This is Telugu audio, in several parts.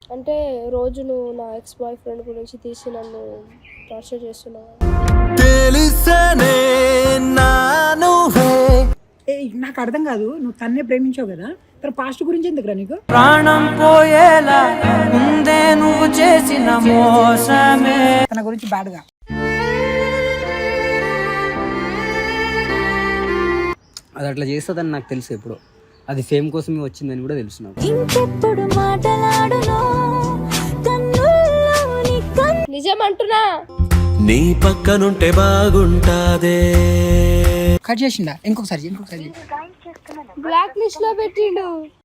అంటే రోజు నువ్వు నా ఎక్స్ బాయ్ ఫ్రెండ్ గురించి తీసి నన్ను టార్చర్ చేస్తున్నావు. నాకు అర్థం కాదు, నువ్వు తన్నే ప్రేమించావు కదా, తన పాస్ట్ గురించి ఎందుకురా నీకు? ప్రాణం పోయేలా ముందే నువ్వు చేసిన మోసమే. తన గురించి బ్యాడ్గా అది అట్లా చేస్తుందని నాకు తెలుసు. ఎప్పుడు అది ఫేమ్ కోసమే వచ్చిందని కూడా తెలుసు నాకు. నిజం అంటున్నా. నీ పక్కనుంటే బాగుంటాదే. కట్ చేసిండా? ఇంకొకసారి బ్లాక్ లిస్ట్ లో పెట్టిండు.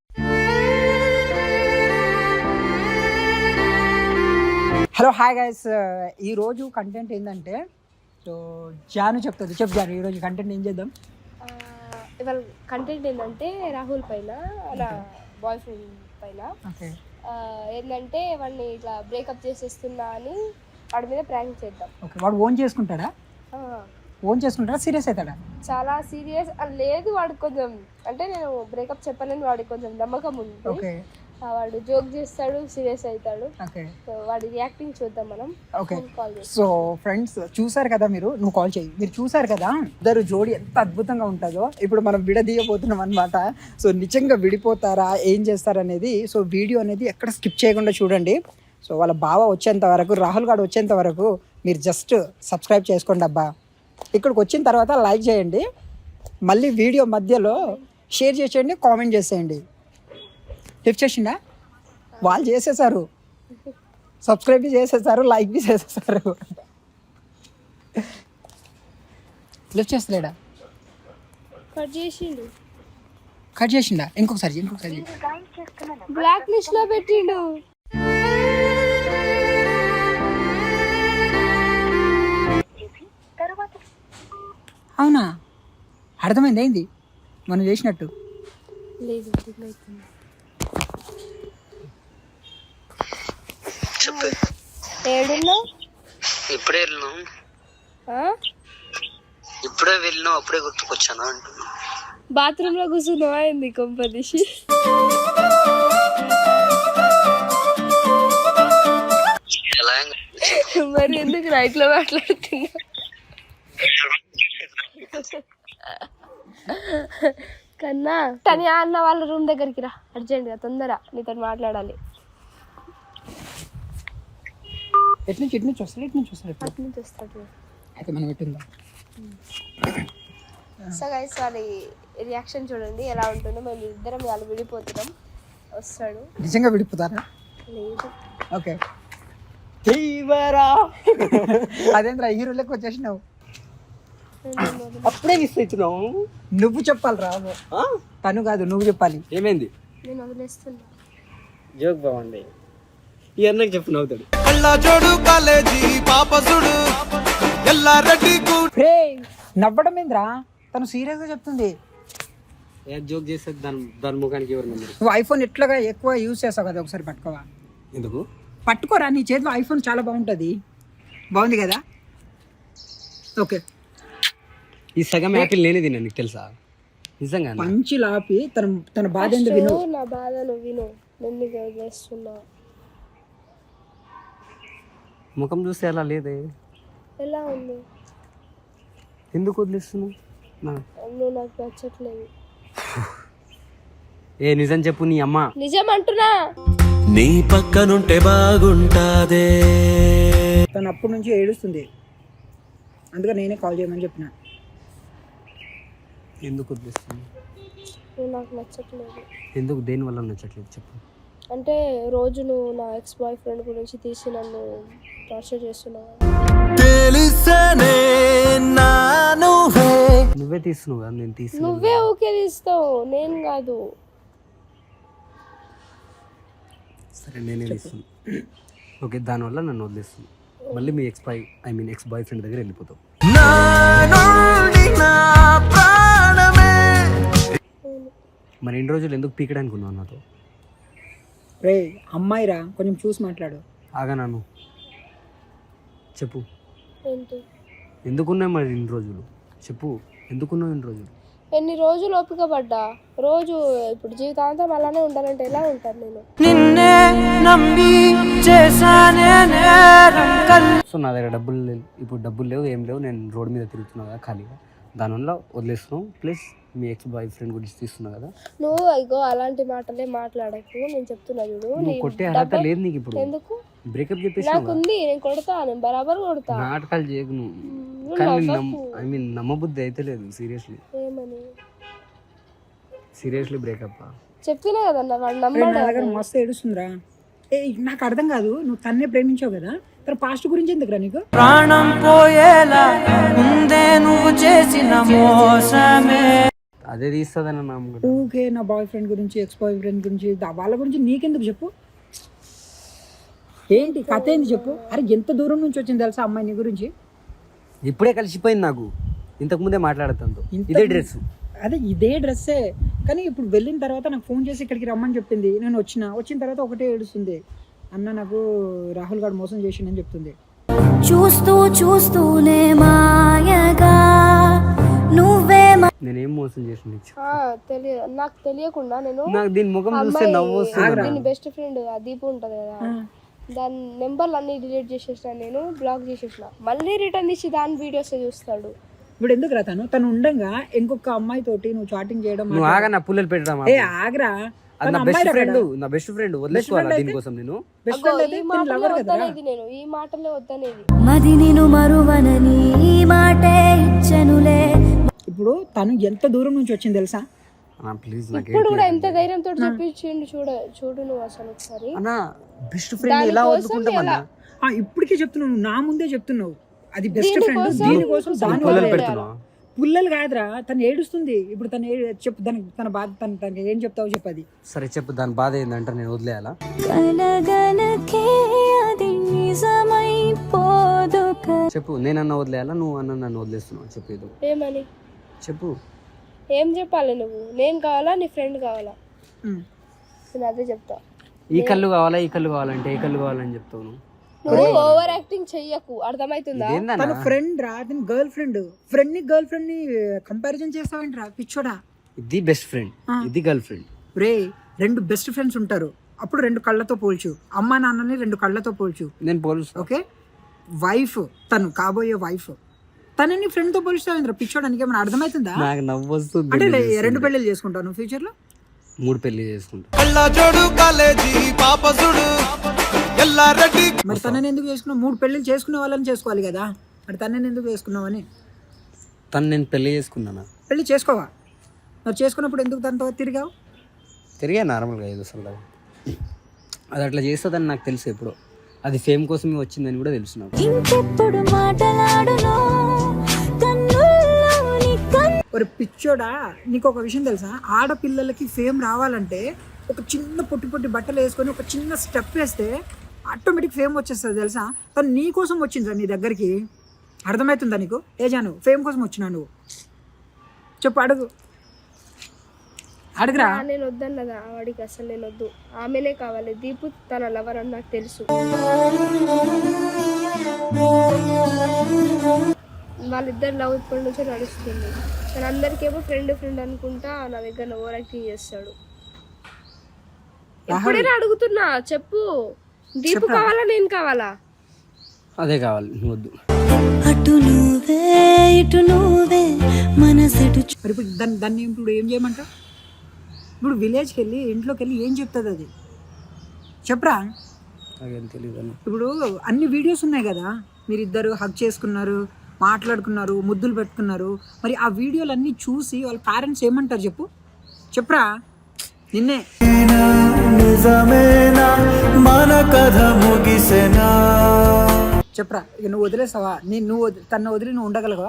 హలో హాయ్ గైస్, ఈరోజు కంటెంట్ ఏంటంటే, సో జాను చెప్తుంది. చెప్పు జాను, ఈరోజు కంటెంట్ ఏం చేద్దాం? ఇవాళ కంటెంట్ ఏంటంటే రాహుల్ పైన, నా బాయ్ ఫ్రెండ్ పైన ఏంటంటే వాడిని ఇట్లా బ్రేకప్ చేసేస్తున్నా అని వాడి మీద ప్రాంక్ చేద్దాం. ఓకే, వాడు ఓన్ చేసుకుంటాడా? సీరియస్ అవుతాడా? చాలా సీరియస్ లేదు. వాడికి కొంచెం అంటే నేను బ్రేకప్ చెప్పలేని వాడికి కొంచెం నమ్మకం ఉంది. వాడు జోక్ చేస్తాడు, సీరియస్ అవుతాడు. వాడి రియాక్టింగ్ చూద్దాం మనం. ఓకే, సో ఫ్రెండ్స్ చూసారు కదా, నువ్వు కాల్ చేయి. మీరు చూసారు కదా ఇద్దరు జోడి ఎంత అద్భుతంగా ఉంటుందో. ఇప్పుడు మనం విడదీయబోతున్నాం అనమాట. సో నిజంగా విడిపోతారా, ఏం చేస్తారు అనేది, సో వీడియో అనేది ఎక్కడ స్కిప్ చేయకుండా చూడండి. సో వాళ్ళ బావ వచ్చేంత వరకు, రాహుల్ గారు వచ్చేంత వరకు మీరు జస్ట్ సబ్స్క్రైబ్ చేసుకోండి అబ్బా. ఇక్కడికి వచ్చిన తర్వాత లైక్ చేయండి, మళ్ళీ వీడియో మధ్యలో షేర్ చేసేయండి, కామెంట్ చేసేయండి. లిఫ్ట్ చేసిండా? వాళ్ళు చేసేసారు, సబ్స్క్రైబ్ చేసేసారు, లైక్ బి చేసేసారు. లిఫ్ట్ చేస్తలేడా? కట్ చేసిండా? ఇంకొకసారి బ్లాక్ లిస్ట్ లో పెట్టిండు. అవునా? అర్థమైంది ఏంది మనం చేసినట్టు? లేదు. ఏడున్నావు? ఇప్పుడే వెళ్ళినావు, అప్పుడే గుర్తుకొచ్చాను అంటున్నా. బాత్రూమ్ లో కూర్చున్నావా ఏంది కొంపదీసి? మరి ఎందుకు రైట్ లో మాట్లాడుతున్నా? కన్నా తని అన్న వాళ్ళ రూమ్ దగ్గరికి రా అర్జెంట్ గా, తొందర నీతో మాట్లాడాలి. ఎట్నుంచి వస్తాడు అయితే మనం ఎట్టుందా? సో గైస్ వాడి రియాక్షన్ చూడండి ఎలా ఉంటుందో. మేము ఇద్దరం వాళ్ళు విడిపోతున్నాం. వస్తాడు. నిజంగా విడిపోతారా? లేదు. ఓకే, అదేంద్రా హీరోలకు వచ్చేసినావు, అప్పుడే మిస్ అవుతున్నావు. నువ్వు చెప్పాలి రా, తను కాదు నువ్వు చెప్పాలి. ఏమైంది? నేను వదిలేస్తున్నా. జోక్ బాగుంది, ఈ అన్నకి చెప్పు నవ్వుతాడు. నవ్వడం ఏంద్రా, తను సీరియస్ గా చెప్తుంది. జోక్ చేస్తే దాని ముఖానికి ఎవరు నమ్మరు. నువ్వు ఐఫోన్ ఎట్లాగా ఎక్కువ యూజ్ చేస్తావు కదా, ఒకసారి పట్టుకోవా? ఎందుకు పట్టుకోరా, నీ చేతిలో ఐఫోన్ చాలా బాగుంటుంది. బాగుంది కదా? ఓకే, ఈ సగం యాపిల్ నేనే తిన్నా, నీకు తెలుసా? నిజంగా మంచి లాపి తన బాధ ఏందో విను. నా బాధ నువ్వు విను. నేను వదిలేస్తున్నా. ముఖం చూస్తే అలా లేదే. ఎలా ఉంది? ఎందుకు వదిలేస్తున్నావు? నువ్వు నాకు నచ్చట్లేదు. నిజం చెప్పు. నీ అమ్మ నిజం అంటున్నా. నీ పక్కనుంటే బాగుంటాదే. తను అప్పటి నుంచి ఏడుస్తుంది, అందుకే నేనే కాల్ చేయమని చెప్పిన. ఎందుకు వదిలేస్తున్నావు? నువ్వు నాకు నచ్చట్లేదు. ఎందుకు? దేని వల్ల నచ్చట్లేదు చెప్పు. అంటే రోజు నువ్వు నా ఎక్స్ బాయ్ ఫ్రెండ్ గురించి తీసి నన్ను టార్చర్ చేస్తున్నావు. నువ్వే తీస్తున్నావు కదా, నేను తీసి. నువ్వే ఓకే తీస్తావు, నేను కాదు. సరే నేనే తీస్తున్నా. ఓకే, దానివల్ల నన్ను వదిలేస్తుంది. మళ్ళీ మీ ఎక్స్ బాయ్ ఫ్రెండ్ దగ్గర వెళ్ళిపోతావు. మరి ఎన్ని రోజులు ఎందుకు పీకడానికి ఉన్నావు నాతో? రే అమ్మాయిరా, కొంచెం చూసి మాట్లాడు. ఆగా నాను చెప్పు. ఏంటి? ఎందుకున్నావు మరి ఇన్ని రోజులు? చెప్పు, ఎందుకున్నావు ఇన్ని రోజులు? ఎన్ని రోజులు ఓపిక పడ్డా, రోజు ఇప్పుడు జీవితాంతం అలానే ఉండాలంటే ఎలా ఉంటాను నేను? నిన్నే నమ్మి చేశానే నేరం సో నా దగ్గర డబ్బులు లేవు, ఇప్పుడు డబ్బులు లేవు, ఏం లేవు, నేను రోడ్ మీద తిరుగుతున్నా కదా ఖాళీగా, దానివల్ల వదిలేస్తున్నాం. ప్లస్ మీ ఎక్స్ బాయ్ ఫ్రెండ్ గురించి తీస్తున్నా కదా. నువ్వు ఇగో అలాంటి మాటలే మాట్లాడకు, నేను చెప్తున్నా చూడు. నువ్వు కొట్టే అర్హత లేదు నీకు ఇప్పుడు. ఎందుకు? బ్రేకప్ చెప్పేసి నాకుంది, నేను కొడతా, నేను బరాబర్ కొడతా. నాటకాలు చేయకు నువ్వు. కానీ ఐ మీన్ నమ్మబుద్ధి అయితే లేదు. సీరియస్లీ ఏమని సీరియస్లీ బ్రేకప్ చెప్పినా కదన్న, వాడు నా నమ్మాడు. దగ్గర మస్తు ఏడుస్తుందిరా. నాకు అర్థం కాదు, నువ్వు తన్నే ప్రేమించావు కదా, తన పాస్ట్ గురించి ఎందుకురా నీకు? ప్రాణం పోయేలా ఉందే నువ్వు చేసిన మోసమే. అదే తీస్తుందని నమ్మకం. ఊకే నా బాయ్ ఫ్రెండ్ గురించి, ఎక్స్ బాయ్ ఫ్రెండ్ గురించి, వాళ్ళ గురించి నీకెందుకు చెప్పు? ఏంటి కథ ఏంది చెప్పు? అరే ఎంత దూరం నుంచి వచ్చింది తెలుసా అమ్మాయి నీ గురించి? ఇప్పుడే కలిసిపోయింది నాకు, ఇంతకు ముందే మాట్లాడుతాను. ఇదే డ్రెస్, అదే ఇదే డ్రెస్సే, కానీ ఇప్పుడు వెళ్ళిన తర్వాత నాకు ఫోన్ చేసి ఇక్కడికి రమ్మని చెప్పింది. నేను వచ్చిన తర్వాత ఒకటే ఏడుస్తుంది, అన్న నాకు రాహుల్ గారు మోసం చేసిండని చెప్తుంది. చూస్తూ చూస్తూనే మాయగా నువ్వే నేనేం మోసం చేసిన తెలియదు, నాకు తెలియకుండా నేను నాకు దీని ముఖం చూస్తే నవ్వు వస్తుంది. దీని బెస్ట్ ఫ్రెండ్ ఆ దీపు ఉంటది కదా, దాని నెంబర్లు అన్ని డిలీట్ చేసేసిన, నేను బ్లాక్ చేసేసిన. మళ్ళీ రిటర్న్ ఇచ్చి దాని వీడియోస్ చూస్తాడు. ఇప్పుడు ఎందుకు రా, తను ఉండంగా ఇంకొక అమ్మాయి తోటి నువ్వు చాటింగ్ చేయడం? నువ్వు ఆగా నా పుల్లలు పెట్టడం. ఏ ఆగ్రా, నా బెస్ట్ ఫ్రెండ్ వదిలేసుకోవాలా దీనికోసం? నేను బెస్ట్ ఫ్రెండ్ అయితే ఈ మాటలే వద్దనేది, నేను ఈ మాటలే వద్దనేది. మది నిను మరువనని ఈ మాటే ఇచ్చనులే. ఇప్పుడు తను ఎంత దూరం నుంచి వచ్చింది తెలుసా? ప్లీజ్ ఇప్పుడు కూడా ఎంత ధైర్యంతో చెప్పించిండు చూడు నువ్వు అసలు ఒకసారి. అన్న బెస్ట్ ఫ్రెండ్ ఎలా వదులుకుంటామన్నా? ఇప్పటికే చెప్తున్నావు, నా ముందే చెప్తున్నావు, అది బెస్ట్ ఫ్రెండ్. దీనికోసం పుల్లలు పెడుతున్నావా? పుల్లలు కాదురా, తను ఏడుస్తుంది. ఇప్పుడు తను చెప్పు, దానికి తన బాధ, తనకి ఏం చెప్తావు చెప్పు. అది సరే చెప్పు, దాని బాధ ఏంటంటే నేను వదిలేయాలా? కలగనకే అది నిజమైపోదు. చెప్పు, నేనన్నా వదిలేయాలా, నువ్వు అన్న నన్ను వదిలేస్తున్నావు? చెప్పేది ఏమని చెప్పు. ఏం చెప్పాలి నువ్వు? నేను కావాలా, నీ ఫ్రెండ్ కావాలా? నేను అదే చెప్తా. ఈ కళ్ళు కావాలా, ఈ కళ్ళు కావాలంటే ఏ కళ్ళు కావాలని చెప్తావు నువ్వు? నువ్వు ఓవర్ యాక్టింగ్ చెయ్యకు, అర్థమవుతుందా? తన ఫ్రెండ్ రా, తన గర్ల్ ఫ్రెండ్ ని గర్ల్ ఫ్రెండ్ ని కంపారిజన్ చేస్తావేంట్రా పిచ్చోడా? ఇది బెస్ట్ ఫ్రెండ్, ఇది గర్ల్ ఫ్రెండ్. రే, రెండు బెస్ట్ ఫ్రెండ్స్ ఉంటారు, అప్పుడు రెండు కళ్ళతో పోల్చు. అమ్మా నాన్నని రెండు కళ్ళతో పోల్చు. నేను పోల్చు. ఓకే, వైఫ్, తను కాబోయే వైఫ్, తనని ఫ్రెండ్ తో పోల్చుతావేంద్ర పిచ్చోడానికి? ఏమైనా అర్థమవుతుందా? నాకు నవ్వు వస్తుంది. అంటే రెండు పెళ్ళిళ్ళు చేసుకుంటావు నువ్వు ఫ్యూచర్ లో? 3 పెళ్లి చేసుకుంటా. మరి తనని ఎందుకు చేసుకున్నావు? 3 పెళ్ళిళ్ళు చేసుకునే వాళ్ళని చేసుకోవాలి కదా, మరి తనని ఎందుకు చేసుకున్నావు అని? తను నేను పెళ్లి చేసుకున్నానా? పెళ్ళి చేసుకోవా? మరి చేసుకున్నప్పుడు ఎందుకు తనతో తిరిగావు? తిరిగా నార్మల్గా ఏదో సరదాగా. అది అట్లా చేస్తుందని నాకు తెలుసు ఎప్పుడో. అది ఫేమ్ కోసమే వచ్చిందని కూడా తెలుసు నాకు. ఇంకెప్పుడు మాటలాడునో కన్నుల్లోని ఒక పిచ్చోడా, నీకు ఒక విషయం తెలుసా? ఆడపిల్లలకి ఫేమ్ రావాలంటే ఒక చిన్న పొట్టి పొట్టి బట్టలు వేసుకొని ఒక చిన్న స్టెప్ వేస్తే ఆటోమేటిక్ ఫేమ్ వచ్చేస్తుంది తెలుసా? తను నీ కోసం వచ్చిందిరా నీ దగ్గరికి, అర్థమవుతుందా నీకు? ఏ జాను, ఫేమ్ కోసం వచ్చినా నువ్వు? చెప్పు, అడుగురా. నేను వద్దన్నదా వాడికి? అసలు నేను వద్దు, ఆమెనే కావాలి. దీపు తన లవర్ అని నాకు తెలుసు. వాళ్ళిద్దరు లవ్ ఇప్పటి నుంచే నడుస్తుంది. తను అందరికేమో ఫ్రెండ్ అనుకుంటా నా దగ్గర ఓవర్ యాక్టింగ్ చేస్తాడు. ఎప్పుడైనా అడుగుతున్నా, చెప్పు. దీపు కావాలా, నేను కావాలా? అదే కావాలి, నువ్వు వద్దు. అటు నువ్వే ఇటు నువ్వే మనసెటు. మరి ఇప్పుడు దాన్ని ఇప్పుడు ఏం చేయమంటావు? ఇప్పుడు విలేజ్కి వెళ్ళి ఇంట్లోకి వెళ్ళి ఏం చెప్తుంది అది? చెప్పరా. నాకేం తెలియదు. ఇప్పుడు అన్ని వీడియోస్ ఉన్నాయి కదా, మీరిద్దరు హగ్ చేసుకున్నారు, మాట్లాడుకున్నారు, ముద్దులు పెట్టుకున్నారు. మరి ఆ వీడియోలన్నీ చూసి వాళ్ళ పేరెంట్స్ ఏమంటారు చెప్పరా. నిన్నే చెప్పరా. ఇక నువ్వు వదిలేస్తావా? తను వదిలి నువ్వు ఉండగలవా?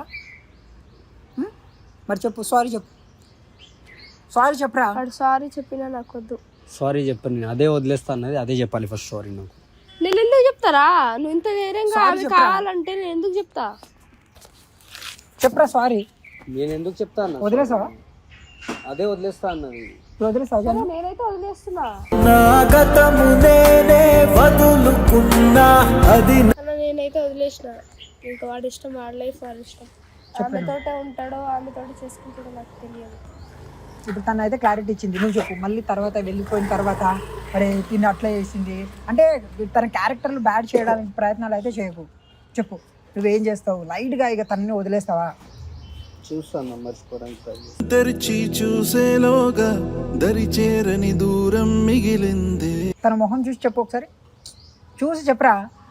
మరి చెప్పు, సారీ చెప్పరా. సారీ చెప్పినా నాకు వద్దు. సారీ చెప్పను నేను, అదే వదిలేస్తా అన్నది అదే చెప్పాలి ఫస్ట్. సారీ నాకు. నేను ఎందుకు చెప్తారా? నువ్వు ఇంత ధైర్యంగా ఆమె కావాలంటే నేను ఎందుకు చెప్తా? చెప్పరా సారీ. నేను ఎందుకు చెప్తా అన్న? వదిలేసావా? అదే వదిలేస్తా అన్నది. వదిలేస్తావా? నేనైతే వదిలేస్తున్నా. అది నేనైతే వదిలేసిన. ఇంకా వాడి ఇష్టం, వాడి లైఫ్ వాడి ఇష్టం. ఆమెతోటే ఉంటాడో ఆమెతోటే చేసుకుంటాడో నాకు తెలియదు. ఇప్పుడు తను అయితే క్లారిటీ ఇచ్చింది, నువ్వు చెప్పు. మళ్ళీ తర్వాత వెళ్ళిపోయిన తర్వాత అరే తిని అట్లా చేసింది అంటే తన క్యారెక్టర్లు బ్యాడ్ చేయడానికి ప్రయత్నాలు అయితే చేయకు. చెప్పు నువ్వేం చేస్తావు? లైట్గా ఇక తనని వదిలేస్తావా? చూస్తాను మర్చిపోవడానికి ట్రై చేస్తాను. తెరిచి చూసేలోగా దరి చేరని దూరం మిగిలింది. తన మొహం చూసి చెప్పు ఒకసారి, చూసి చెప్పరా.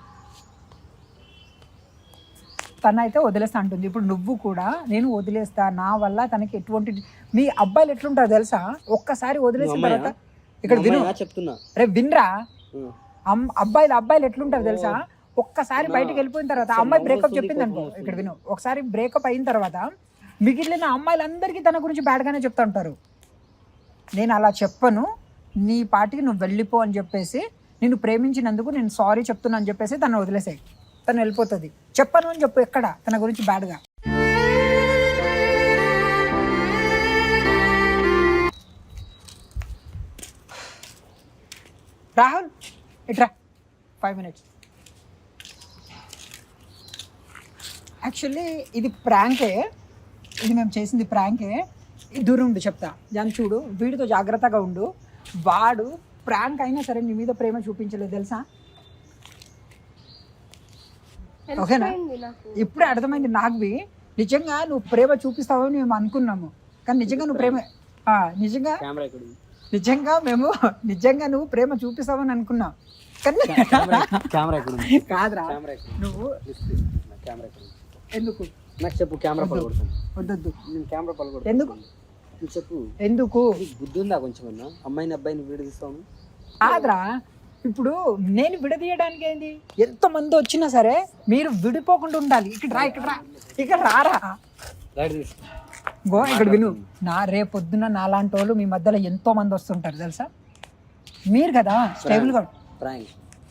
తన అయితే వదిలేస్తా అంటుంది. ఇప్పుడు నువ్వు కూడా నేను వదిలేస్తా, నా వల్ల తనకి ఎటువంటి, మీ అబ్బాయిలు ఎట్లుంటారో తెలుసా, ఒక్కసారి వదిలేసిన తర్వాత ఇక్కడ విను, చెప్తున్నా రే వినరా, అబ్బాయిలు ఎట్లుంటారు తెలుసా, ఒక్కసారి బయటకు వెళ్ళిపోయిన తర్వాత అమ్మాయి బ్రేకప్ చెప్పింది అనుకో, ఇక్కడ విను, ఒకసారి బ్రేకప్ అయిన తర్వాత మిగిలిన అమ్మాయిలందరికీ తన గురించి బ్యాడ్గానే చెప్తా ఉంటారు. నేను అలా చెప్పను, నీ పాటికి నువ్వు వెళ్ళిపో అని చెప్పేసి, నిన్ను ప్రేమించినందుకు నేను సారీ చెప్తున్నా అని చెప్పేసి తను వదిలేసాయి, తను వెళ్ళిపోతుంది. చెప్పను అని చెప్పు ఎక్కడ తన గురించి బ్యాడ్గా. రాహుల్ ఇట్రా 5 minutes. యాక్చువల్లీ ఇది ప్రాంకే, ఇది మేము చేసింది ప్రాంకే. దూరం ఉండు చెప్తా, దాన్ని చూడు, వీడితో జాగ్రత్తగా ఉండు. వాడు ప్రాంక్ అయినా సరే నీ మీద ప్రేమ చూపించలేదు తెలుసా, ఓకేనా? ఇప్పుడే అర్థమైంది నాకు. నిజంగా నువ్వు ప్రేమ చూపిస్తావని మేము అనుకున్నాము, కానీ నిజంగా నువ్వు ప్రేమ నిజంగా నువ్వు ప్రేమ చూపిస్తావని అనుకున్నావు, కానీ కాదురా. నువ్వు ఎందుకు నాకు చెప్పు, కెమెరా పడగొడతాను. వద్దొద్దు, నేను కెమెరా పడగొడతాను. ఎందుకు చెప్పు, ఎందుకు బుద్ధి ఉందా కొంచెం? అమ్మాయిని అబ్బాయిని విడదీస్తాను కాదురా. ఇప్పుడు నేను విడదీయడానికి ఏంది, ఎంతమంది వచ్చినా సరే మీరు విడిపోకుండా ఉండాలి. ఇక్కడ రారా గో, ఇక్కడ విను. రేపొద్దున నాలాంటి వాళ్ళు మీ మధ్యలో ఎంతో మంది వస్తుంటారు తెలుసా, మీరు కదా స్టేబుల్గా ప్రాంక్